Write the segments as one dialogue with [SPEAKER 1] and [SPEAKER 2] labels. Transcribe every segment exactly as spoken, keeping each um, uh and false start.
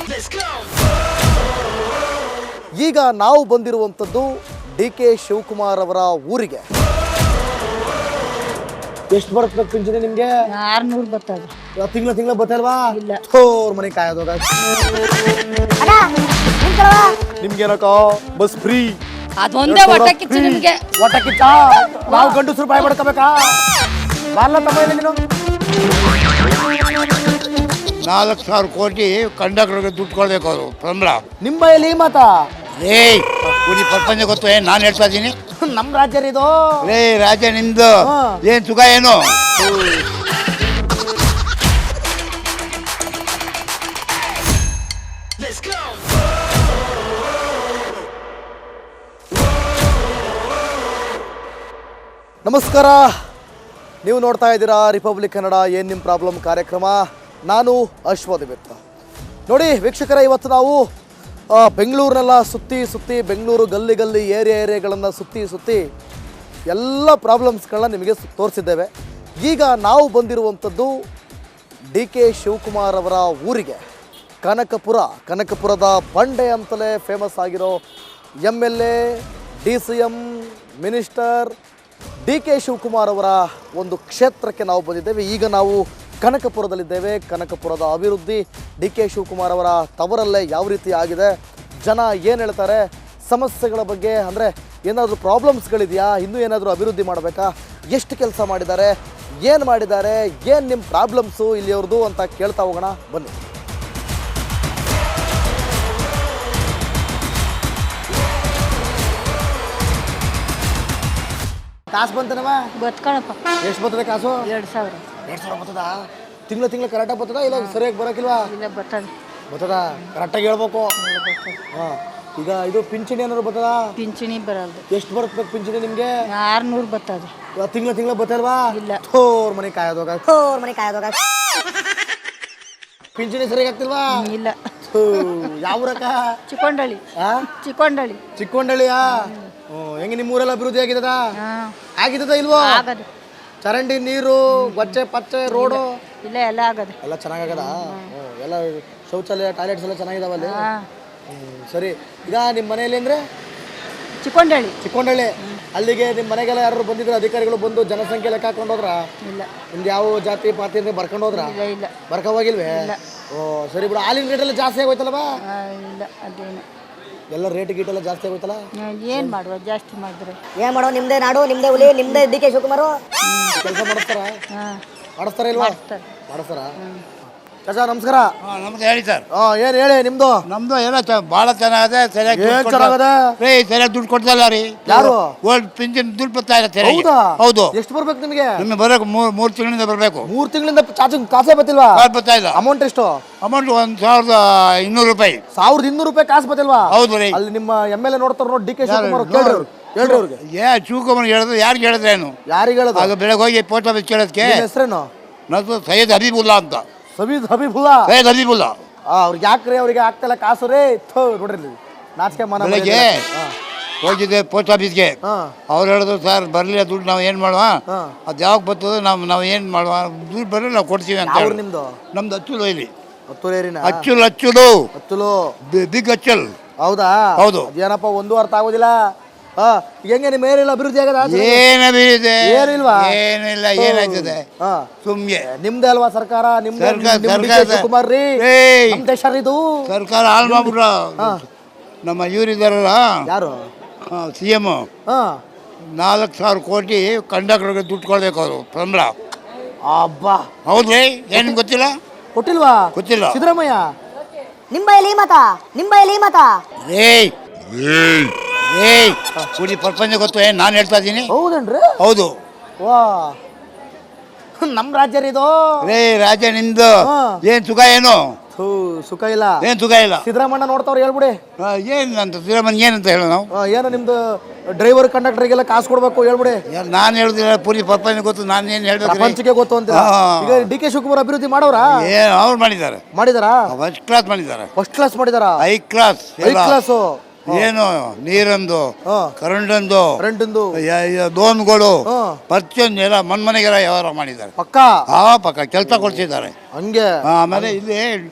[SPEAKER 1] ಈಗ ನಾವು ಬಂದಿರುವಂಥದ್ದು ಡಿ ಕೆ ಶಿವಕುಮಾರ್ ಅವರ ಊರಿಗೆ. ಎಷ್ಟು ಬರುತ್ತೆ ಪಿಂಚಣಿ ನಿಮ್ಗೆ?
[SPEAKER 2] ಆರ್ನೂರು ಬರ್ತದೆ.
[SPEAKER 1] ತಿಂಗಳ ತಿಂಗಳ ಬತ್ತಲ್ವಾ?
[SPEAKER 2] ಇಲ್ಲ.
[SPEAKER 1] ಥೋರ್ ಮನೆ ಕಾಯೋದಾಗ ನಿಮ್ಗೇನಕ್ಕ ಬಸ್ ಫ್ರೀ?
[SPEAKER 2] ಅದೊಂದೇ ಹೊಟ್ಟೆ ಕಿಚ್ಚು ನಿಮ್ಗೆ.
[SPEAKER 1] ಹೊಟ್ಟೆ ಕಿಚ್ಚ? ನಾವು ಗಂಡಸರು ಬಾಯ್ ಮಾಡ್ಕೋಬೇಕಾ? ಬಾರ್ಲ ತಮ್ಮ ಇಲ್ಲ ನೀನು.
[SPEAKER 3] ನಾಲ್ಕು ಸಾವಿರ ಕೋಟಿ ಕಂಡಕ್ಟರ್ಗೆ ದುಡ್ಡು ಕೊಡ್ಬೇಕು ಅವರು ಸಂಬಳ.
[SPEAKER 1] ನಿಮ್ಮ ಬಾಯಲ್ಲಿ ಈ ಮಾತಾ?
[SPEAKER 3] ರೇ ಪೂರಿ ಪ್ರಪಂಚ ಗೊತ್ತು ಏನು ನಾನು ಹೇಳ್ತಾ ಇದ್ದೀನಿ.
[SPEAKER 1] ನಮ್ಮ ರಾಜ್ಯ ಇದು.
[SPEAKER 3] ರೇ ರಾಜ್ಯ ನಿಮ್ದು ಏನ್ ಸುಖ ಏನು?
[SPEAKER 1] ನಮಸ್ಕಾರ, ನೀವು ನೋಡ್ತಾ ಇದ್ದೀರಾ ರಿಪಬ್ಲಿಕ್ ಕನ್ನಡ ಏನು ನಿಮ್ಮ ಪ್ರಾಬ್ಲಮ್ ಕಾರ್ಯಕ್ರಮ. ನಾನು ಅಶ್ವದಿಮಿತ್ರ. ನೋಡಿ ವೀಕ್ಷಕರೇ, ಇವತ್ತು ನಾವು ಬೆಂಗಳೂರನ್ನೆಲ್ಲ ಸುತ್ತಿ ಸುತ್ತಿ ಬೆಂಗಳೂರು ಗಲ್ಲಿ ಗಲ್ಲಿ ಏರಿಯಾ ಏರಿಯಾಗಳನ್ನು ಸುತ್ತಿ ಸುತ್ತಿ ಎಲ್ಲ ಪ್ರಾಬ್ಲಮ್ಸ್ಗಳನ್ನ ನಿಮಗೆ ತೋರಿಸಿದ್ದೇವೆ. ಈಗ ನಾವು ಬಂದಿರುವಂಥದ್ದು ಡಿ ಕೆ ಶಿವಕುಮಾರ್ ಅವರ ಊರಿಗೆ, ಕನಕಪುರ. ಕನಕಪುರದ ಬಂಡೆ ಅಂತಲೇ ಫೇಮಸ್ ಆಗಿರೋ M L A, D C M, minister D K Shivakumar ಅವರ ಒಂದು ಕ್ಷೇತ್ರಕ್ಕೆ ನಾವು ಬಂದಿದ್ದೇವೆ. ಈಗ ನಾವು ಕನಕಪುರದಲ್ಲಿದ್ದೇವೆ. ಕನಕಪುರದ ಅಭಿವೃದ್ಧಿ ಡಿ ಕೆ ಶಿವಕುಮಾರ್ ಅವರ ತವರಲ್ಲೇ ಯಾವ ರೀತಿ ಆಗಿದೆ, ಜನ ಏನು ಹೇಳ್ತಾರೆ, ಸಮಸ್ಯೆಗಳ ಬಗ್ಗೆ, ಅಂದರೆ ಏನಾದರೂ ಪ್ರಾಬ್ಲಮ್ಸ್ಗಳಿದೆಯಾ, ಇನ್ನೂ ಏನಾದರೂ ಅಭಿವೃದ್ಧಿ ಮಾಡಬೇಕಾ, ಎಷ್ಟು ಕೆಲಸ ಮಾಡಿದ್ದಾರೆ, ಏನು ಮಾಡಿದ್ದಾರೆ, ಏನು ನಿಮ್ಮ ಪ್ರಾಬ್ಲಮ್ಸು ಇಲ್ಲಿಯವ್ರದ್ದು ಅಂತ ಕೇಳ್ತಾ ಹೋಗೋಣ ಬನ್ನಿ. ಕಾಸು ಬಂತನವ?
[SPEAKER 2] ಬತ್ಕಣಪ್ಪ.
[SPEAKER 1] ಎಷ್ಟು ಬರ್ತದೆ ಕಾಸು?
[SPEAKER 2] ಎರಡು ಸಾವಿರ.
[SPEAKER 1] ಎರಡು ಸಾವಿರ ಬರ್ತದ? ತಿಂಗಳ ತಿಂಗಳ ಕರೆಕ್ಟಾಗಿ ಬರ್ತದ ಇಲ್ಲ ಸರಿಯಾಗಿ ಬರೋಕಿಲ್ವಾ?
[SPEAKER 2] ಇಲ್ಲ ಬರ್ತದೆ.
[SPEAKER 1] ಬರ್ತದ? ಕರೆಕ್ಟಾಗಿ ಹೇಳ್ಬೇಕು. ಹಾಂ, ಈಗ ಇದು ಪಿಂಚಣಿ ಏನಾದ್ರು ಬರ್ತದ?
[SPEAKER 2] ಪಿಂಚಣಿ ಬರಲ್ದು.
[SPEAKER 1] ಎಷ್ಟು ಬರುತ್ತೆ ಪಿಂಚಣಿ ನಿಮಗೆ?
[SPEAKER 2] ಆರ್ನೂರು ಬರ್ತದೆ.
[SPEAKER 1] ತಿಂಗಳ ತಿಂಗಳ ಬರ್ತಲ್ವಾ?
[SPEAKER 2] ಇಲ್ಲ.
[SPEAKER 1] ಥೋರ್ ಮನೆ ಕಾಯೋದಾಗ
[SPEAKER 2] ಥೋರ್ ಮನೆ ಕಾಯೋದಾಗ
[SPEAKER 1] ಪಿಂಚಣಿ ಸರಿಯಾಗಿ ಆಗ್ತಿಲ್ವಾ?
[SPEAKER 2] ಇಲ್ಲ.
[SPEAKER 1] ಯಾವ ರಕ?
[SPEAKER 2] ಚಿಕ್ಕೊಂಡಳ್ಳಿ. ಚಿಕ್ಕೊಂಡಳ್ಳಿ.
[SPEAKER 1] ಚಿಕ್ಕೊಂಡಳ್ಳಿಯಾ? ಹೆಂಗೆ ನಿಮ್ಮ ಊರೆಲ್ಲ ಅಭಿವೃದ್ಧಿ ಆಗಿದ್ದದ? ಆಗಿದ್ದದ ಇಲ್ವೋ?
[SPEAKER 2] ಆಗದು.
[SPEAKER 1] ಚರಂಡಿ, ನೀರು, ಗೊಚ್ಚೆ ಪಚ್ಚೆ, ರೋಡು
[SPEAKER 2] ಇಲ್ಲ, ಎಲ್ಲ ಆಗದು.
[SPEAKER 1] ಎಲ್ಲ ಚೆನ್ನಾಗದ? ಎಲ್ಲ ಶೌಚಾಲಯ, ಟಾಯ್ಲೆಟ್ಸ್ ಎಲ್ಲ ಚೆನ್ನಾಗಿದಾವಲ್ಲಿ? ಸರಿ. ಈಗ ನಿಮ್ಮ ಮನೆಯಲ್ಲಿ ಅಂದರೆ
[SPEAKER 2] ಚಿಕ್ಕೊಂಡಳ್ಳಿ.
[SPEAKER 1] ಚಿಕ್ಕೊಂಡಳ್ಳಿ. ಅಲ್ಲಿಗೆ ನಿಮ್ಮ ಮನೆಗೆಲ್ಲ ಯಾರು ಬಂದಿದ್ರು ಅಧಿಕಾರಿಗಳು ಬಂದು ಜನಸಂಖ್ಯೆ ಲೆಕ್ಕ ಹಾಕೊಂಡು ಹೋದ್ರ?
[SPEAKER 2] ಇಲ್ಲ. ನಿಮ್ದು
[SPEAKER 1] ಯಾವ ಜಾತಿ ಪಾತಿ ಅಂದ್ರೆ ಬರ್ಕೊಂಡು ಹೋದ್ರ?
[SPEAKER 2] ಇಲ್ಲ. ಇಲ್ಲ.
[SPEAKER 1] ಬರ್ಕ ಹೋಗಿಲ್ವೇ? ಓ ಸರಿ ಬಿಡು. ಹಾಲಿನ ರೇಟ್ ಎಲ್ಲ ಜಾಸ್ತಿ ಆಗೋಯ್ತಲ್ವಾ?
[SPEAKER 2] ಇಲ್ಲ, ಅದೇನು
[SPEAKER 1] ಎಲ್ಲ ರೇಟ್ ಗೀಟ್ ಎಲ್ಲ ಜಾಸ್ತಿ ಆಗೋಯ್ತಲ್ಲ?
[SPEAKER 2] ಏನು ಮಾಡುವ, ಜಾಸ್ತಿ ಮಾಡಿದ್ರೆ
[SPEAKER 4] ಏನ್ ಮಾಡೋ? ನಿಮ್ದೇ ನಾಡು, ನಿಮ್ದೇ ಹುಲಿ, ನಿಮ್ದೇ ಡಿ ಕೆ ಶಿವಕುಮಾರ್
[SPEAKER 1] ಕೆಲಸ ಮಾಡಿಸ್ತಾರ?
[SPEAKER 2] ಹಾಂ
[SPEAKER 1] ಮಾಡಿಸ್ತಾರ ಇಲ್ವಾ? ಮಾಡಿಸ್ತಾರ. ಚಾಚಾ ನಮಸ್ಕಾರ.
[SPEAKER 3] ಹಾಂ ನಮ್ದು ಹೇಳಿ ಸರ್.
[SPEAKER 1] ಹಾಂ ಏನು ಹೇಳಿ ನಿಮ್ದು?
[SPEAKER 3] ನಮ್ಮದು ಎಲ್ಲ ಚ ಭಾಳ ಚೆನ್ನಾಗಿದೆ. ಸರಿಯಾಗಿ
[SPEAKER 1] ಏನ್ ಚೆನ್ನಾಗದೆ?
[SPEAKER 3] ರೇ ಸರಿಯಾಗಿ ದುಡ್ಡು ಕೊಡ್ತಲ್ಲ ರೀ.
[SPEAKER 1] ಯಾರು?
[SPEAKER 3] ಓಲ್ಡ್ ಪಿಂಚಣಿ ದುಡ್ಡು ಬರ್ತಾ ಇಲ್ಲ ಸರಿಯಾಗಿ.
[SPEAKER 1] ಹೌದಾ?
[SPEAKER 3] ಹೌದು.
[SPEAKER 1] ಎಷ್ಟು ಬರ್ಬೇಕು ನಿಮಗೆ?
[SPEAKER 3] ನಿಮಗೆ ಬರೋಕೆ ಮೂರು ಮೂರು ತಿಂಗಳಿಂದ ಬರಬೇಕು.
[SPEAKER 1] ಮೂರು ತಿಂಗಳಿಂದ ಚಾಚು ಕಾಸೇ ಬತ್ತಿಲ್ವಾ?
[SPEAKER 3] ಕಾಸು ಬರ್ತಾ ಇಲ್ಲ.
[SPEAKER 1] ಅಮೌಂಟ್ ಎಷ್ಟು?
[SPEAKER 3] ಅಮೌಂಟ್ ಒಂದು ಸಾವಿರದ ಇನ್ನೂರು ರೂಪಾಯಿ.
[SPEAKER 1] ಸಾವಿರದ ಇನ್ನೂರು ರೂಪಾಯಿ ಕಾಸು ಬತ್ತಿಲ್ವಾ?
[SPEAKER 3] ಹೌದು ರೀ.
[SPEAKER 1] ಅಲ್ಲಿ ನಿಮ್ಮ ಎಮ್ ಎಲ್ ಎ ನೋಡ್ತಾರ ನೋಡಿ, ಡಿ ಕೆ ಶಿವಕುಮಾರ್. ಕೇಳ್ರಿ ಅವ್ರು, ಹೇಳ್ರಿ ಅವ್ರಿಗೆ.
[SPEAKER 3] ಏ ಶಿವಕುಮಾರ್ ಹೇಳಿದ್ರು, ಯಾರಿಗೆ ಹೇಳಿದ್ರೇನು?
[SPEAKER 1] ಯಾರಿಗೆ ಹೇಳೋದು?
[SPEAKER 3] ಆಗ ಬೆಳಗ್ಗೆ ಹೋಗಿ ಪೋಸ್ಟ್ ಆಫೀಸ್ ಕೇಳೋದಕ್ಕೆ
[SPEAKER 1] ಹೆಸರೇನು?
[SPEAKER 3] ನನ್ನದು ಸೈಯದ್ ಹಬೀಬುಲ್ಲಾ ಅಂತ.
[SPEAKER 1] ಸಬೀದ್ ಹಬೀಬುಲ್ಲಾ?
[SPEAKER 3] ಸೈಯದ್ ಹಬೀಬುಲ್ಲಾ.
[SPEAKER 1] ಅವ್ರಿಗೆ ಯಾಕ್ರಿ ಅವ್ರಿಗೆ ಆಗ್ತಲ್ಲ ಕಾಸು ರೇ? ಥೋ ನೋಡ್ರಿ ನಾಚಿಕೆ ಮನ.
[SPEAKER 3] ಬೆಳಗ್ಗೆ ಹೋಗಿದ್ದೆ ಪೋಸ್ಟ್ ಆಫೀಸ್ಗೆ. ಅವ್ರು ಹೇಳಿದ್ರು ಸರ್ ಬರಲಿಲ್ಲ ದುಡ್ಡು, ನಾವು ಏನು ಮಾಡುವ, ಅದು ಯಾವಾಗ ಬರ್ತದೆ, ನಾವು ನಾವು ಏನು ಮಾಡುವ, ದುಡ್ಡು ಬರಲಿ ನಾವು ಕೊಡ್ತೀವಿ ಅಂತ.
[SPEAKER 1] ಅವ್ರು ನಿಮ್ದು?
[SPEAKER 3] ನಮ್ದು ಅಚ್ಚುಲು ಇಲ್ಲಿ.
[SPEAKER 1] ಹತ್ತೂರೇರಿನ?
[SPEAKER 3] ಅಚ್ಚುಲ್ ಅಚ್ಚುಲು
[SPEAKER 1] ಹತ್ತುಲು
[SPEAKER 3] ಬಿಗ್ ಅಚ್ಚಲ್.
[SPEAKER 1] ಹೌದಾ?
[SPEAKER 3] ಹೌದು.
[SPEAKER 1] ಏನಪ್ಪ ಒಂದು ಅರ್ಥ ಆಗೋದಿಲ್ಲ. ಹಾ, ಹೆಂಗೆ ನಿಮ್ಮ ಏರಿಯಲ್ಲ ಅಭಿವೃದ್ಧಿ ಆಗದ?
[SPEAKER 3] ಏನಿದೆ?
[SPEAKER 1] ಏನಿಲ್ವಾ?
[SPEAKER 3] ಏನಿಲ್ಲ. ಏನಾಗ್ತದೆ ಸುಮ್ಗೆ?
[SPEAKER 1] ನಿಮ್ದೇ ಅಲ್ವಾ ಸರ್ಕಾರ? ನಿಮ್ದು
[SPEAKER 3] ಸರ್ಕಾರ
[SPEAKER 1] ಶಿವಕುಮಾರ್ ರೀ. ನಮ್ ದೇಶ ಇದು.
[SPEAKER 3] ಸರ್ಕಾರ ಹಾಳು ಮಾಡ್ಬಿಟ್ರ. ನಮ್ಮ ಇವರಿದಾರಲ್ಲ,
[SPEAKER 1] ಯಾರು?
[SPEAKER 3] ಸಿ ಎಮ್, ನಾಲ್ಕು ಸಾವಿರ ಕೋಟಿ ಕಂಡಕ್ಟರ್ಗೆ ದುಡ್ಡು ಕೊಡ್ಬೇಕು ಅವರು ಸಂಬಳ.
[SPEAKER 1] ಅಬ್ಬಾ,
[SPEAKER 3] ಹೌದ್ರಿ? ಏನು ಗೊತ್ತಿಲ್ಲ?
[SPEAKER 1] ಕೊಟ್ಟಿಲ್ವಾ?
[SPEAKER 3] ಗೊತ್ತಿಲ್ಲ.
[SPEAKER 1] ಸಿದ್ದರಾಮಯ್ಯ
[SPEAKER 4] ನಿಂಬೈಲಿ ಮತ, ನಿಂಬೈಲಿ ಮತ.
[SPEAKER 3] ಏಯ್ ಏಯ್ ಪೂರಿ ಪ್ರಪಂಚ ಗೊತ್ತು ಏನು ನಾನು ಹೇಳ್ತಾ ಇದ್ದೀನಿ.
[SPEAKER 1] ಹೌದೇನ್ರಿ?
[SPEAKER 3] ಹೌದು.
[SPEAKER 1] ವಾ, ನಮ್ ರಾಜ್ಯ ಇದು.
[SPEAKER 3] ರೇ ರಾಜ್ಯ ನಿಮ್ದು ಏನ್ ಸುಖ ಏನು?
[SPEAKER 1] ಸುಖ ಇಲ್ಲ.
[SPEAKER 3] ಏನ್ ಸುಖ ಇಲ್ಲ?
[SPEAKER 1] ಸಿದ್ದರಾಮಯ್ಯ ನೋಡ್ತಾವ್ರು ಹೇಳ್ಬಿಡಿ.
[SPEAKER 3] ಏನ್ ಅಂತ ಸಿದ್ದರಾಮಯ್ಯ ಏನಂತ ಹೇಳ ನಾವು?
[SPEAKER 1] ಏನು ನಿಮ್ದು ಡ್ರೈವರ್ ಕಂಡಕ್ಟರ್ಗೆಲ್ಲ ಕಾಸು ಕೊಡ್ಬೇಕು ಹೇಳ್ಬಿಡಿ.
[SPEAKER 3] ನಾನು ಹೇಳುದಿಲ್ಲ, ಪೂರಿ ಪ್ರಪಂಚ ಗೊತ್ತು, ನಾನು ಏನು ಹೇಳ್ಬೇಕು?
[SPEAKER 1] ಪ್ರಪಂಚಕ್ಕೆ ಗೊತ್ತು ಅಂತ. ಈಗ ಡಿ ಕೆ ಶಿವಕುಮಾರ್ ಅಭಿವೃದ್ಧಿ ಮಾಡೋರ?
[SPEAKER 3] ಏನ್ ಅವ್ರು ಮಾಡಿದ್ದಾರೆ?
[SPEAKER 1] ಮಾಡಿದಾರಾ?
[SPEAKER 3] ಫಸ್ಟ್ ಕ್ಲಾಸ್ ಮಾಡಿದ್ದಾರೆ.
[SPEAKER 1] ಫಸ್ಟ್ ಕ್ಲಾಸ್ ಮಾಡಿದಾರಾ?
[SPEAKER 3] High class.
[SPEAKER 1] High class.
[SPEAKER 3] ಏನು ನೀರಂದು, ಕರೆಂಟಂದು,
[SPEAKER 1] ಕರೆಂಟಂದು,
[SPEAKER 3] ಲೋನ್ಗಳು, ಪ್ರತಿಯೊಂದು ಎಲ್ಲ ಮನ್ಮನೆಗೆಲ್ಲ ವ್ಯವಹಾರ ಮಾಡಿದ್ದಾರೆ.
[SPEAKER 1] ಪಕ್ಕ
[SPEAKER 3] ಆ ಪಕ್ಕ ಕೆಲಸ ಕೊಡ್ತಿದ್ದಾರೆ.
[SPEAKER 1] ಹಂಗೆ.
[SPEAKER 3] ಆಮೇಲೆ ಇಲ್ಲಿ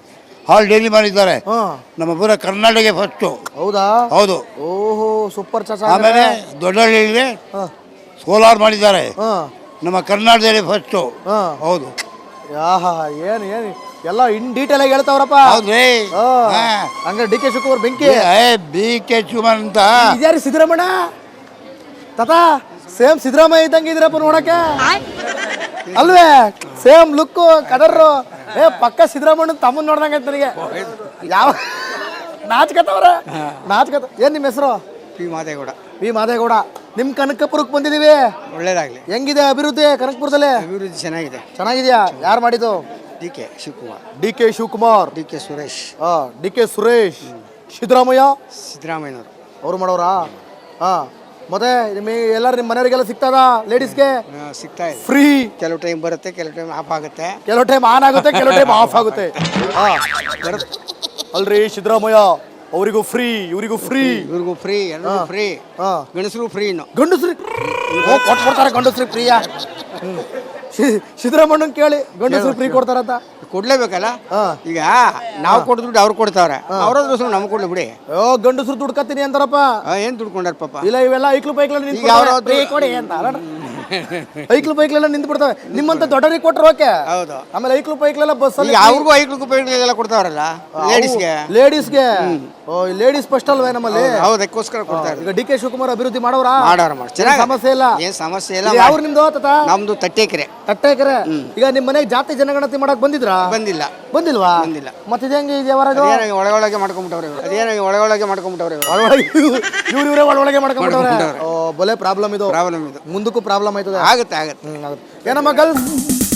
[SPEAKER 3] ಹಾಲ್ ಡೈಲಿ ಮಾಡಿದ್ದಾರೆ.
[SPEAKER 1] ಹಾ
[SPEAKER 3] ನಮ್ಮ ಪೂರ ಕರ್ನಾಟಕ ಫಸ್ಟು.
[SPEAKER 1] ಹೌದಾ?
[SPEAKER 3] ಹೌದು.
[SPEAKER 1] ಓಹೋ ಸೂಪರ್ ಚಾಚಾ.
[SPEAKER 3] ಆಮೇಲೆ ದೊಡ್ಡಹಳ್ಳಿಯಲ್ಲಿ
[SPEAKER 1] ಹಾ
[SPEAKER 3] ಸೋಲಾರ್ ಮಾಡಿದ್ದಾರೆ.
[SPEAKER 1] ಹಾ
[SPEAKER 3] ನಮ್ಮ ಕರ್ನಾಟಕದಲ್ಲಿ ಫಸ್ಟು.
[SPEAKER 1] ಹಾ
[SPEAKER 3] ಹೌದು.
[SPEAKER 1] ಯಾಹಾ ಏನು ಏನು ಎಲ್ಲ ಇನ್ ಡೀಟೇಲ್ ಆಗಿ ಹೇಳ್ತಾವ್ರಪ್ಪ.
[SPEAKER 3] ಹೌದ್ರಿ.
[SPEAKER 1] ಹಾ.
[SPEAKER 3] ಹಾ.
[SPEAKER 1] ಹಂಗಾರೆ ಡಿ ಕೆ ಶಿವಕುಮಾರ್ ಬೆಂಕಿ.
[SPEAKER 3] ಏ ಬಿ ಕೆ ಶಿವಕುಮಾರ್ ಅಂತ
[SPEAKER 1] ಇದ್ಯಾರಿ ಸಿದ್ದರಾಮಣ್ಣ ತಾತ ಸೇಮ್ ಸಿದ್ದರಾಮಯ್ಯ ಇದ್ದಂಗೆ ಇದ್ರಪ್ಪ ನೋಡಕ್ಕೆ ಅಲ್ವೇ? ಸೇಮ್ ಲುಕ್ಕು ಕದರ್ರು. ಏ ಪಕ್ಕ ಸಿದ್ದರಾಮಣ್ಣ ತಮ್ಮನ್ ನೋಡ್ದಂಗೆ ಐತೆ ನನಗೆ. ಯಾವ ನಾಚ್ಕತ್ತವ್ರ ನಾಚ್ಕತ್ತ. ಏನ್ ನಿಮ್ಮ ಹೆಸರು?
[SPEAKER 5] ಪಿ ಮಾದೇಗೌಡ.
[SPEAKER 1] ವಿ ಮಾದೇಗೌಡ. ನಿಮ್ ಕನಕಪುರಕ್ಕೆ ಬಂದಿದೀವಿ.
[SPEAKER 5] ಒಳ್ಳೇದಾಗಲಿ.
[SPEAKER 1] ಹೆಂಗಿದೆ ಅಭಿವೃದ್ಧಿ ಕನಕಪುರದಲ್ಲಿ?
[SPEAKER 5] ಅಭಿವೃದ್ಧಿ ಚೆನ್ನಾಗಿದೆ.
[SPEAKER 1] ಚೆನ್ನಾಗಿದ್ಯಾ? ಯಾರು ಮಾಡಿದ್ದು?
[SPEAKER 5] D K Shivakumar,
[SPEAKER 1] D K Shivakumar,
[SPEAKER 5] D K Suresh,
[SPEAKER 1] D K Suresh, Siddaramaiah
[SPEAKER 5] ಸಿದ್ದರಾಮಯ್ಯನವರು
[SPEAKER 1] ಅವ್ರು ಮಾಡೋರಾ? ಹಾ ಮತ್ತೆ ನಿಮ್ಮ ಎಲ್ಲರೂ ನಿಮ್ಮ ಮನೆಯವರಿಗೆಲ್ಲ ಸಿಗ್ತದ? ಲೇಡೀಸ್ಗೆ
[SPEAKER 5] ಸಿಗ್ತಾ ಇದೆ.
[SPEAKER 1] ಫ್ರೀ.
[SPEAKER 5] ಕೆಲವು ಟೈಮ್ ಬರುತ್ತೆ, ಕೆಲವು ಟೈಮ್ ಆಫ್ ಆಗುತ್ತೆ.
[SPEAKER 1] ಕೆಲವು ಟೈಮ್ ಆನ್ ಆಗುತ್ತೆ, ಕೆಲವು ಟೈಮ್ ಆಫ್ ಆಗುತ್ತೆ. ಹಾ ಅಲ್ರಿ ಸಿದ್ದರಾಮಯ್ಯ ಅವರಿಗೂ ಫ್ರೀ, ಇವರಿಗೂ ಫ್ರೀ,
[SPEAKER 5] ಇವ್ರಿಗೂ ಫ್ರೀ, ಎಲ್ಲರಿಗೂ ಫ್ರೀ.
[SPEAKER 1] ಹಾ
[SPEAKER 5] ಗಣಸರು ಫ್ರೀ. ಇನ್ನು
[SPEAKER 1] ಗಂಡಸ್ರಿ ಕೊಟ್ಬಿಡ್ತಾರೆ ಗಂಡಸ್ರಿ ಫ್ರೀಯಾ? ಸಿದ್ದರಾಮಣ್ಣನ್ ಕೇಳಿ ಗಂಡಸ್ರು ಫ್ರೀ ಕೊಡ್ತಾರಂತ.
[SPEAKER 5] ಕೊಡ್ಲೇಬೇಕಲ್ಲ.
[SPEAKER 1] ಹಾ
[SPEAKER 5] ಈಗ ನಾವು ಕೊಡ ದುಡ್ಡು ಅವ್ರು ಕೊಡ್ತಾವ್ರೆ, ಅವ್ರದ್ರ ನಮ್ಗೆ ಕೊಡ್ಲಿ ಬಿಡಿ.
[SPEAKER 1] ಓ ಗಂಡಸ್ರು ದುಡ್ಡು ಕತ್ತೀನಿ ಅಂತಾರಪ್ಪ.
[SPEAKER 5] ಆ, ಏನ್ ದುಡ್ಡು ಕೊಂಡಾರ ಪಾಪ.
[SPEAKER 1] ಇಲ್ಲ ಇವೆಲ್ಲ ಐಕ್ಲು ಪೈಕ್ಲ
[SPEAKER 5] ಈಗ ಅವ್ರು
[SPEAKER 1] ಫ್ರೀ ಕೊಡಿ ಅಂತ ಐಕ್ಲು ಪೈಕ್ಲೆಲ್ಲ ನಿಂತು ಬಿಡ್ತವೆ. ನಿಮ್ಮಂತ ದೊಡ್ಡರಿಗೆ ಕೊಟ್ರು ಓಕೆ.
[SPEAKER 5] ಹೌದು.
[SPEAKER 1] ಆಮೇಲೆ ಐಕ್ಲು ಪೈಕ್ಲೆಲ್ಲ ಬಸ್
[SPEAKER 5] ಈಗ ಅವ್ರಿಗೂ ಐಕ್ಳು ಎಲ್ಲ ಕೊಡ್ತಾವ್ರಲ್ಲ ಲೇಡೀಸ್ಗೆ.
[SPEAKER 1] ಲೇಡೀಸ್ಗೆ ಓ ಲೇಡೀಸ್ ಫಸ್ಟ್ ಅಲ್ವೇ ನಮ್ಮಲ್ಲಿ?
[SPEAKER 5] ಹೌದು, ಅದಕ್ಕೋಸ್ಕರ ಕೊಡ್ತಾರೆ.
[SPEAKER 1] ಈಗ ಡಿ ಕೆ ಶಿವಕುಮಾರ್ ಅಭಿವೃದ್ಧಿ ಮಾಡೋರ?
[SPEAKER 5] ಮಾಡೋರ ಮಾಡಿ ಚೆನ್ನಾಗಿ,
[SPEAKER 1] ಸಮಸ್ಯೆ ಇಲ್ಲ,
[SPEAKER 5] ಏನ್ ಸಮಸ್ಯೆ ಇಲ್ಲ.
[SPEAKER 1] ಯಾವ ನಿಮ್ದು ತಾತ?
[SPEAKER 5] ನಮ್ದು ತಟ್ಟೆಕೆರೆ.
[SPEAKER 1] ತಟ್ಟೆಕೆರೆ. ಈಗ ನಿಮ್ ಮನೆಗೆ ಜಾತಿ ಜನಗಣತಿ ಮಾಡಕ್ ಬಂದಿದ್ರಾ?
[SPEAKER 5] ಬಂದಿಲ್ಲ.
[SPEAKER 1] ಬಂದಿಲ್ವಾ?
[SPEAKER 5] ಬಂದಿಲ್ಲ.
[SPEAKER 1] ಮತ್ತೆ ಇದು ಹೆಂಗೆ ಇದೆಯಾ?
[SPEAKER 5] ಅದೇನಾಗಿ ಒಳಗೊಳಗೆ ಮಾಡ್ಕೊಂಡ್ಬಿಟ್ಟವ್ರೆ ಇವ್ರು. ಅದೇನಾಗಿ ಒಳಗೊಳಗೆ ಮಾಡ್ಕೊಂಡ್ಬಿಟ್ಟವ್ರೆ ಇವ್ರು.
[SPEAKER 1] ಒಳಗೆ ಇವ್ರು ಇವರೇ ಒಳಗೆ ಮಾಡ್ಕೊಂಡ್ಬಿಟ್ಟವ್ರೆ. ಓ ಬಲೆ ಪ್ರಾಬ್ಲಮ್ ಇದು.
[SPEAKER 5] ಪ್ರಾಬ್ಲಮ್ ಇದು.
[SPEAKER 1] ಮುಂದಕ್ಕೂ ಪ್ರಾಬ್ಲಮ್ ಆಯ್ತದೆ.
[SPEAKER 5] ಆಗುತ್ತೆ ಆಗುತ್ತೆ.
[SPEAKER 1] ಹ್ಮ್ ಆಗುತ್ತೆ. ಏನಮ್ಮ ಗರ್ಲ್ಸ್?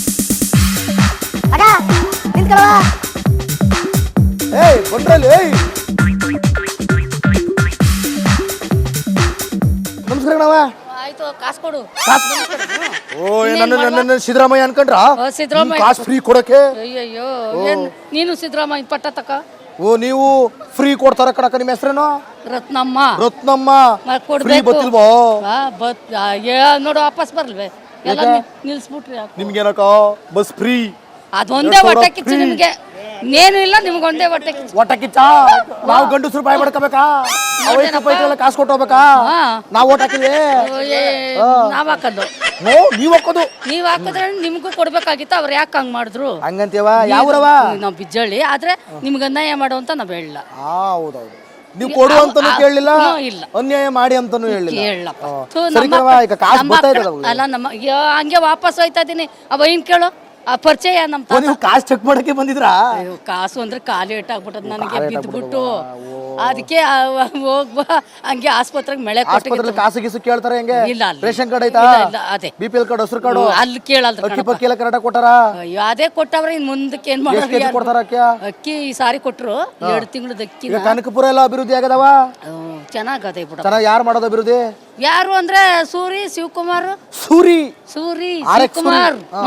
[SPEAKER 4] ಅಕ್ಕ ನಿಂತ್ಕೊಳ್ಳೋ.
[SPEAKER 1] ಏಯ್ ಬಂದ್ರಲ್ಲಿ. ಏಯ್ ನಮಸ್ಕಾರ ನಾವ.
[SPEAKER 2] ಆಯ್ತು ಕಾಸು ಕೊಡು.
[SPEAKER 1] ಓ ನನ್ನ ನನ್ನ ಸಿದ್ದರಾಮಯ್ಯ ಅನ್ಕೊಂಡ್ರ?
[SPEAKER 2] ಸಿದ್ದರಾಮಯ್ಯ
[SPEAKER 1] ಕಾಸು ಫ್ರೀ ಕೊಡಕ್ಕೆ?
[SPEAKER 2] ಅಯ್ಯಯ್ಯೋ ಏನ್ ನೀನು ಸಿದ್ದರಾಮಯ್ಯ ಪಟ್ಟ ತಕ.
[SPEAKER 1] ಓ ನೀವು ಫ್ರೀ ಕೊಡ್ತಾರ ಕಡಕ. ನಿಮ್ಮ ಹೆಸರೇನು?
[SPEAKER 2] ರತ್ನಮ್ಮ.
[SPEAKER 1] ರತ್ನಮ್ಮ.
[SPEAKER 2] ಮತ್ತ್
[SPEAKER 1] ಫ್ರೀ
[SPEAKER 2] ಕೊಡ್ಬೇಕು.
[SPEAKER 1] ಗೊತ್ತಿಲ್ವೋ?
[SPEAKER 2] ಆ, ಬತ್ ಆ, ಏ, ನೋಡು ವಾಪಸ್ ಬರ್ಲ್ವೇ ಎಲ್ಲ ನಿ- ನಿಲ್ಸ್ಬಿಟ್ರಿ ಯಾಕೆ?
[SPEAKER 1] ನಿಮ್ಗೇನಕ್ಕ ಬಸ್ ಫ್ರೀ?
[SPEAKER 2] ಅದೊಂದೇ ಹೊಟ್ಟೆ ಕಿಚ್ಚು ನಿಮ್ಗೆ. ನೇನು ಇಲ್ಲ ನಿಮ್ಗೆ ಒಂದೇ ಹೊಟ್ಟೆ ಕಿಚ್ಚು.
[SPEAKER 1] ಒಟ್ಟ ಕಿಚ್ಚ. ನಾವು ಗಂಡಸ್ರು ಬಾಯ್ ಬಡ್ಕೋಬೇಕಾ? ಅವೈಕ ಪೈಕೆಲ್ಲ ಕಾಸು ಕೊಟ್ಟು ಹೋಗ್ಬೇಕಾ?
[SPEAKER 2] ಹಾ.
[SPEAKER 1] ನಾವು ಓಟ್ ಹಾಕಿದ್ವಿ.
[SPEAKER 2] ಏ, ನಾವ್ ಹಾಕೋದು.
[SPEAKER 1] ಓ ನೀವ್ ಹಾಕೋದು?
[SPEAKER 2] ನೀವ್ ಹಾಕಿದ್ರೆ ನಿಮ್ಗೂ ಕೊಡ್ಬೇಕಾಗಿತ್ತು. ಅವ್ರು ಯಾಕೆ ಹಂಗ್ ಮಾಡಿದ್ರು
[SPEAKER 1] ಹಂಗಂತೀವ? ಯಾವ್ರವ?
[SPEAKER 2] ನಾವ್ ಬಿಜ್ಜಳ್ಳಿ. ಆದ್ರೆ ನಿಮ್ಗೆ ಅನ್ಯಾಯ ಮಾಡು ಅಂತ ನಾವ್ ಹೇಳಿಲ್ಲ.
[SPEAKER 1] ಹೌದೌದು. ನೀವು ಕೊಡು ಅಂತಾನು ಕೇಳಲಿಲ್ಲ,
[SPEAKER 2] ಹ್ಮ್, ಇಲ್ಲ.
[SPEAKER 1] ಅನ್ಯಾಯ ಮಾಡಿ ಅಂತಾನು ಹೇಳಿಲ್ಲ.
[SPEAKER 2] ಕೇಳಪ್ಪ.
[SPEAKER 1] ಹಾ.
[SPEAKER 2] ಥು,
[SPEAKER 1] ಸರಿ
[SPEAKER 2] ನಮ್ಮ
[SPEAKER 1] ಕಣವ್ವ, ಈಗ ಕಾಸು
[SPEAKER 2] ನಮ್ಮ
[SPEAKER 1] ಬರ್ತಾ
[SPEAKER 2] ಅಕ್ಕ-
[SPEAKER 1] ಇದ್ದದಲ್ಲ.
[SPEAKER 2] ಅಲ್ಲ ನಮ್ಮ ಅಯ್ಯೋ, ಹಂಗೆ ವಾಪಸ್ ಹೋಯ್ತಾ ಇದೀನಿ. ಅವ ಏನ್ ಕೇಳು ಆ ಪರಿಚಯ ನಮ್
[SPEAKER 1] ಓ,
[SPEAKER 2] ತಾತ.
[SPEAKER 1] ನೀವು ಕಾಸು ಚೆಕ್ ಮಾಡಕ್ಕೆ ಬಂದಿದ್ರಾ?
[SPEAKER 2] ಅಯ್ಯೋ, ಕಾಸು ಅಂದ್ರೆ ಕಾಲು ಇಟ್ಟಾಗ್ಬಿಟ್ಟದ್ ನನಗೆ ಬಿದ್ದುಬಿಟ್ಟು. ಅದಕ್ಕೆ ಹೋಗ್ಬಾ ಹಂಗೆ ಆಸ್ಪತ್ರೆಗೆ ಮಳೆ
[SPEAKER 1] ಆಸ್ಪತ್ರೆಯಲ್ಲಿ ಕಾಸು ಗೀಸು ಕೇಳ್ತಾರೆ ಹೆಂಗೆ?
[SPEAKER 2] ಇಲ್ಲ, ಅಲ್ಲ.
[SPEAKER 1] ರೇಷನ್ ಕಾರ್ಡ್ ಐತಾ?
[SPEAKER 2] ಇಲ್ಲ, ಇಲ್ಲ, ಅದೇ.
[SPEAKER 1] ಬಿ ಪಿ ಎಲ್ ಕಾರ್ಡ್, ಹಸಿರು ಕಾರ್ಡು,
[SPEAKER 2] ಅಲ್ಲಿ ಕೇಳಲ್ರಿ
[SPEAKER 1] ಅಕ್ಕಿ
[SPEAKER 2] ಕಣಪ್ಪ.
[SPEAKER 1] ಪಕ್ಕಿ ಎಲ್ಲ ಕರೆಕ್ಟಾಗಿ ಕೊಟ್ಟಾರ?
[SPEAKER 2] ಅಯ್ಯೋ ಅದೇ ಕೊಟ್ಟವ್ರೆ. ಇನ್ ಮುಂದಕ್ಕೆ ಏನ್
[SPEAKER 1] ಎಷ್ಟು
[SPEAKER 2] ಮಾಡೋದು?
[SPEAKER 1] ಕೆಜಿ
[SPEAKER 2] ಯಾರು?
[SPEAKER 1] ಕೊಡ್ತಾರ ಅಕ್ಕಿ?
[SPEAKER 2] ಅಕ್ಕಿ ಈ ಸಾರಿ ಕೊಟ್ರು ಎರಡು ತಿಂಗಳದ ಅಕ್ಕಿ.
[SPEAKER 1] ಈಗ ಕನಕಪುರ ಎಲ್ಲ ಅಭಿವೃದ್ಧಿ ಆಗದವ?
[SPEAKER 2] ಚೆನ್ನಾಗದೆ ಬಿಡ.
[SPEAKER 1] ಚೆನ್ನಾಗಿ ಯಾರು ಮಾಡೋದು ಅಭಿವೃದ್ಧಿ?
[SPEAKER 2] ಯಾರು ಅಂದ್ರೆ ಸೂರಿ ಶಿವಕುಮಾರ್.
[SPEAKER 1] Suri
[SPEAKER 2] Suri
[SPEAKER 1] R X
[SPEAKER 2] Shivakumar.